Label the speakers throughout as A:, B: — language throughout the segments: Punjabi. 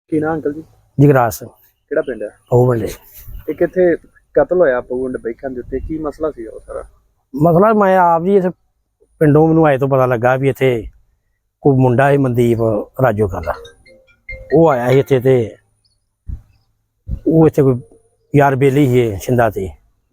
A: ਕੀ ਨਾਂ ਅੰਕਲ ਜੀ?
B: ਜਗਰਾਜ ਸਿੰਘ
A: ਕਿਹੜਾ ਪਿੰਡ ਹੈ?
B: ਉਹ ਬੰਦੇ
A: ਇਹ ਕਿੱਥੇ ਕਤਲ ਹੋਇਆ ਪਗੁੰਡ ਬੈਖਾਂ ਦੇ ਉੱਤੇ? ਕੀ ਮਸਲਾ ਸੀ ਉਹ ਸਾਰਾ?
B: ਮਸਲਾ ਮੈਂ ਆਪ ਜੀ ਇਸ ਪਿੰਡੋਂ ਮੈਨੂੰ ਆਏ ਤੋਂ ਪਤਾ ਲੱਗਾ ਵੀ ਇੱਥੇ ਕੋਈ ਮੁੰਡਾ ਹੈ ਮਨਦੀਪ ਰਾਜੋ ਦਾ। ਉਹ ਆਇਆ ਸੀ ਇੱਥੇ ਤੇ ਉਹ ਇੱਥੇ ਕੋਈ ਯਾਰ ਬੇਲੀ ਸੀ ਛਿੰਦਾ ਤੇ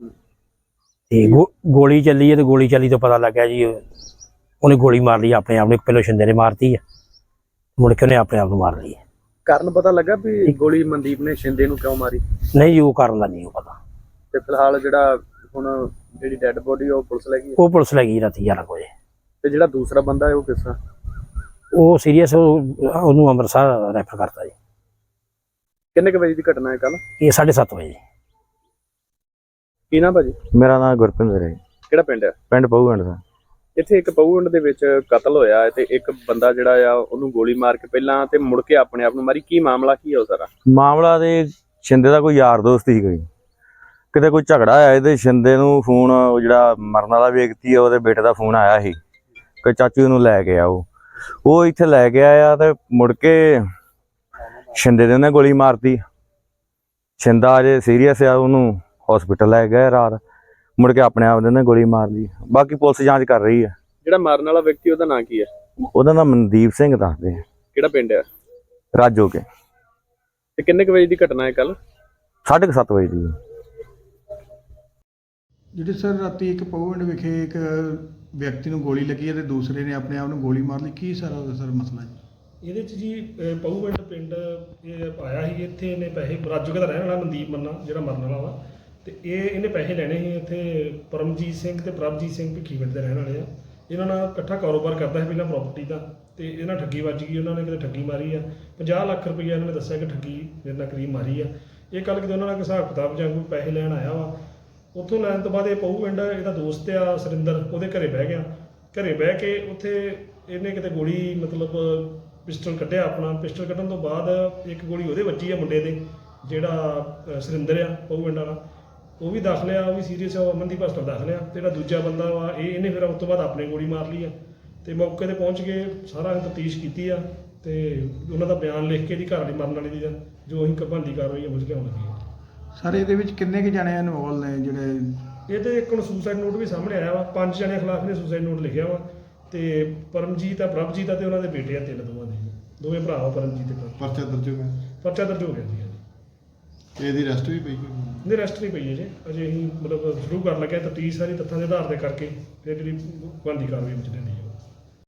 B: ਗੋਲੀ ਚੱਲੀ ਹੈ ਤੇ ਗੋਲੀ ਚੱਲੀ ਤੋਂ ਪਤਾ ਲੱਗਾ ਜੀ ਉਹਨੇ ਗੋਲੀ ਮਾਰ ਲਈ ਆਪਣੇ ਆਪ ਨੂੰ। ਪਹਿਲੋਂ ਛਿੰਦੇ ਨੇ ਮਾਰਤੀ ਹੈ, ਮੁੜ ਕੇ ਉਹਨੇ ਆਪਣੇ ਆਪ ਨੂੰ ਮਾਰ ਲਈ।
A: ਕਾਰਨ ਪਤਾ ਲੱਗਾ ਵੀ ਗੋਲੀ ਮਨਦੀਪ ਨੇ ਸ਼ਿੰਦੇ ਨੂੰ ਕਿਉਂ ਮਾਰੀ?
B: ਨਹੀਂ ਜੀ, ਉਹ ਕਾਰਨ ਦਾ ਨਹੀਂ ਪਤਾ।
A: ਤੇ ਫਿਲਹਾਲ ਜਿਹੜਾ ਹੁਣ ਜਿਹੜੀ ਡੈੱਡ ਬੋਡੀ ਉਹ ਪੁਲਿਸ ਲੈ ਗਈ?
B: ਉਹ ਪੁਲਿਸ ਲੈ ਗਈ ਰਾਤੀ 11 ਵਜੇ।
A: ਤੇ ਜਿਹੜਾ ਦੂਸਰਾ ਬੰਦਾ ਹੈ ਉਹ ਕਿਸ ਤਰ੍ਹਾਂ?
B: ਉਹ ਸੀਰੀਅਸ, ਉਹਨੂੰ ਅੰਮ੍ਰਿਤਸਰ ਰੈਫਰ ਕਰਤਾ ਜੀ।
A: ਕਿੰਨੇ ਕੁ ਵਜੇ ਦੀ ਘਟਨਾ ਹੈ ਕੱਲ?
B: ਇਹ 7:30 ਵਜੇ।
A: ਕੀ ਨਾਂ ਭਾਜੀ?
C: ਮੇਰਾ ਨਾਮ ਗੁਰਪਿੰਦਰ ਹੈ।
A: ਕਿਹੜਾ ਪਿੰਡ ਹੈ?
C: ਪਿੰਡ ਪਹੂਗੰਡ ਦਾ।
A: ਇੱਥੇ ਇੱਕ ਪਗੁੰਡ ਦੇ ਵਿੱਚ ਕਤਲ ਹੋਇਆ ਹੈ ਤੇ ਇੱਕ ਬੰਦਾ ਜਿਹੜਾ ਆ ਉਹਨੂੰ ਗੋਲੀ ਮਾਰ ਕੇ ਪਹਿਲਾਂ ਤੇ ਮੁੜ ਕੇ ਆਪਣੇ ਆਪ ਨੂੰ ਮਾਰੀ। ਕੀ ਮਾਮਲਾ ਕੀ ਹੈ ਉਹ ਸਾਰਾ?
C: ਮਾਮਲਾ ਤੇ ਸ਼ਿੰਦੇ ਦਾ ਕੋਈ ਯਾਰ ਦੋਸਤ ਸੀ, ਕੋਈ ਕਿਤੇ ਕੋਈ ਝਗੜਾ ਆਇਆ ਇਹਦੇ ਸ਼ਿੰਦੇ ਨੂੰ ਫੋਨ, ਉਹ ਜਿਹੜਾ ਮਰਨ ਵਾਲਾ ਵਿਅਕਤੀ ਹੈ ਉਹਦੇ ਬੇਟੇ ਦਾ ਫੋਨ ਆਇਆ ਸੀ ਕਿ ਚਾਚੂ ਨੂੰ ਲੈ ਕੇ ਆਓ। ਉਹ ਇੱਥੇ ਲੈ ਕੇ ਆਇਆ ਤੇ ਮੁੜ ਕੇ ਸ਼ਿੰਦੇ ਦੇ ਉਹਨੇ ਗੋਲੀ ਮਾਰਤੀ। ਸ਼ਿੰਦਾ ਅਜੇ ਸੀਰੀਅਸ ਆ, ਉਹਨੂੰ ਹਸਪੀਟਲ ਲੈ ਗਏ ਰਾਤ, ਮੁੜ ਕੇ ਆਪਣੇ ਆਪ ਦੇ ਉਹਨੇ ਗੋਲੀ ਮਾਰ ਲਈ। ਬਾਕੀ ਪੁਲਿਸ ਜਾਂਚ ਕਰ ਰਹੀ ਹੈ।
A: ਜਿਹੜਾ ਮਾਰਨ ਵਾਲਾ ਵਿਅਕਤੀ ਉਹਦਾ ਨਾਂ ਕੀ ਹੈ?
C: ਉਹਦਾ ਨਾਮ ਮਨਦੀਪ ਸਿੰਘ ਦੱਸਦੇ ਆ,
A: ਕਿਹੜਾ ਪਿੰਡ ਹੈ?
C: ਰਾਜੋ ਕੇ।
A: ਤੇ ਕਿੰਨੇ ਕੁ ਵਜੇ ਦੀ ਘਟਨਾ ਹੈ ਕੱਲ?
C: 7:30 ਵਜੇ ਦੀ।
D: ਜਿਹੜੇ ਸਰ ਰਾਤੀ ਇੱਕ ਪਗੁੰਡ ਵਿਖੇ ਇੱਕ ਵਿਅਕਤੀ ਨੂੰ ਗੋਲੀ ਲੱਗੀ ਹੈ ਤੇ ਦੂਸਰੇ ਨੇ ਆਪਣੇ ਆਪ ਨੂੰ ਗੋਲੀ ਮਾਰ ਲਈ, ਕੀ ਸਾਰਾ ਉਹਦਾ ਸਰ ਮਸਲਾ ਜੀ?
E: ਇਹਦੇ 'ਚ ਜੀ ਪਹੂਗੰਡ ਪਿੰਡ ਇਹ ਆਇਆ ਸੀ। ਇੱਥੇ ਇਹਨੇ ਪੈਸੇ ਰਾਜੂ ਦਾ ਰਹਿਣ ਵਾਲਾ ਮਨਦੀਪ ਮੰਨਾ ਜਿਹੜਾ ਮਰਨ ਵਾਲਾ ਵਾ, ਤੇ ਇਹਨੇ ਪੈਸੇ ਲੈਣੇ ਸੀ। ਇੱਥੇ ਪਰਮਜੀਤ ਸਿੰਘ ਤੇ ਪ੍ਰਭਜੀਤ ਸਿੰਘ ਭਿੱਖੀਵਿੰਡ ਦੇ ਰਹਿਣ ਵਾਲੇ ਆ। ਇਹਨਾਂ ਨਾਲ ਇਕੱਠਾ ਕਾਰੋਬਾਰ ਕਰਦਾ ਸੀ ਪਹਿਲਾਂ ਪ੍ਰਾਪਰਟੀ ਦਾ, ਤੇ ਇਹਨਾਂ ਠੱਗੀ ਵੱਜ ਗਈ। ਉਹਨਾਂ ਨੇ ਕਿਤੇ ਠੱਗੀ ਮਾਰੀ ਆ 50 ਲੱਖ ਰੁਪਈਆ। ਇਹਨਾਂ ਨੇ ਦੱਸਿਆ ਕਿ ਠੱਗੀ ਮੇਰੇ ਨਾਲ ਕਰੀਬ ਮਾਰੀ ਆ। ਇਹ ਕੱਲ੍ਹ ਕਿਤੇ ਉਹਨਾਂ ਨਾਲ ਹਿਸਾਬ ਕਿਤਾਬ ਜਾਂ ਕੋਈ ਪੈਸੇ ਲੈਣ ਆਇਆ ਵਾ। ਉੱਥੋਂ ਲੈਣ ਤੋਂ ਬਾਅਦ ਇਹ ਪਹੂਗੰਡ ਇਹਦਾ ਦੋਸਤ ਆ ਸੁਰਿੰਦਰ, ਉਹਦੇ ਘਰੇ ਬਹਿ ਗਿਆ। ਘਰੇ ਬਹਿ ਕੇ ਉੱਥੇ ਇਹਨੇ ਕਿਤੇ ਗੋਲੀ ਮਤਲਬ ਪਿਸਟਲ ਕੱਢਿਆ ਆਪਣਾ। ਪਿਸਟਲ ਕੱਢਣ ਤੋਂ ਬਾਅਦ ਇੱਕ ਗੋਲੀ ਉਹਦੇ ਵੱਜੀ ਆ ਮੁੰਡੇ ਦੇ, ਜਿਹੜਾ ਸੁਰਿੰਦਰ ਆ ਪਹੂਗੰਡ ਵਾਲਾ। ਉਹ ਵੀ ਦਾਖਲ ਆ, ਉਹ ਵੀ ਸੀਰੀਅਸ ਆ, ਉਹ ਅਮਨਦੀਪ ਹਸਪਤਾਲ ਦਾਖਲ ਆ। ਤੇ ਜਿਹੜਾ ਦੂਜਾ ਬੰਦਾ ਵਾ ਇਹਨੇ ਫਿਰ ਉਸ ਤੋਂ ਬਾਅਦ ਆਪਣੇ ਗੋਲੀ ਮਾਰ ਲਈ ਆ। ਤੇ ਮੌਕੇ 'ਤੇ ਪਹੁੰਚ ਕੇ ਸਾਰਾ ਤਫਤੀਸ਼ ਕੀਤੀ ਆ ਤੇ ਉਹਨਾਂ ਦਾ ਬਿਆਨ ਲਿਖ ਕੇ ਇਹਦੀ ਘਰ ਵਾਲੀ ਮਰਨ ਵਾਲੀ ਦੀ ਜੋ ਅਸੀਂ ਬਣਦੀ ਕਾਰਵਾਈ ਮੁਝ ਲਿਆਉਣ ਲੱਗੇ ਆ।
D: ਸਰ ਇਹਦੇ ਵਿੱਚ ਕਿੰਨੇ ਕੁ ਜਣੇ ਇਨਵੋਲ ਨੇ ਜਿਹੜੇ?
E: ਇਹ ਤੇ ਇੱਕ ਹੁਣ ਸੁਸਾਈਡ ਨੋਟ ਵੀ ਸਾਹਮਣੇ ਆਇਆ ਵਾ। 5 ਜਣਿਆਂ ਖਿਲਾਫ ਨੇ ਸੁਸਾਈਡ ਨੋਟ ਲਿਖਿਆ ਵਾ। ਤੇ ਪਰਮਜੀਤ ਆ, ਪ੍ਰਭਜੀਤ ਆ ਤੇ ਉਹਨਾਂ ਦੇ ਬੇਟੇ ਆ 3 ਦੋਵਾਂ ਦੇ, ਦੋਵੇਂ ਭਰਾ ਵਾ ਪਰਮਜੀਤ ਤੇ ਪ੍ਰਭ।
D: ਪਰਚਾ ਦਰਜ ਹੋ ਗਿਆ?
E: ਪਰਚਾ ਦਰਜ ਹੋ ਗਿਆ ਜੀ।
D: ਇਹਦੀ ਅਰੈਸਟ ਵੀ ਪਈ?
E: ਨਹੀਂ, ਅਰੈਸਟ ਨਹੀਂ ਪਈ ਅਜੇ। ਅਜੇ ਅਸੀਂ ਮਤਲਬ ਸ਼ੁਰੂ ਕਰਨ ਲੱਗੇ ਤਫਤੀਸ਼ ਸਾਰੀ ਤੱਥਾਂ ਦੇ ਆਧਾਰ ਤੇ ਕਰਕੇ ਫਿਰ ਜਿਹੜੀ ਬਣਦੀ ਕਾਰਵਾਈ ਵਿੱਚ ਲੈਂਦੀ ਹੈ।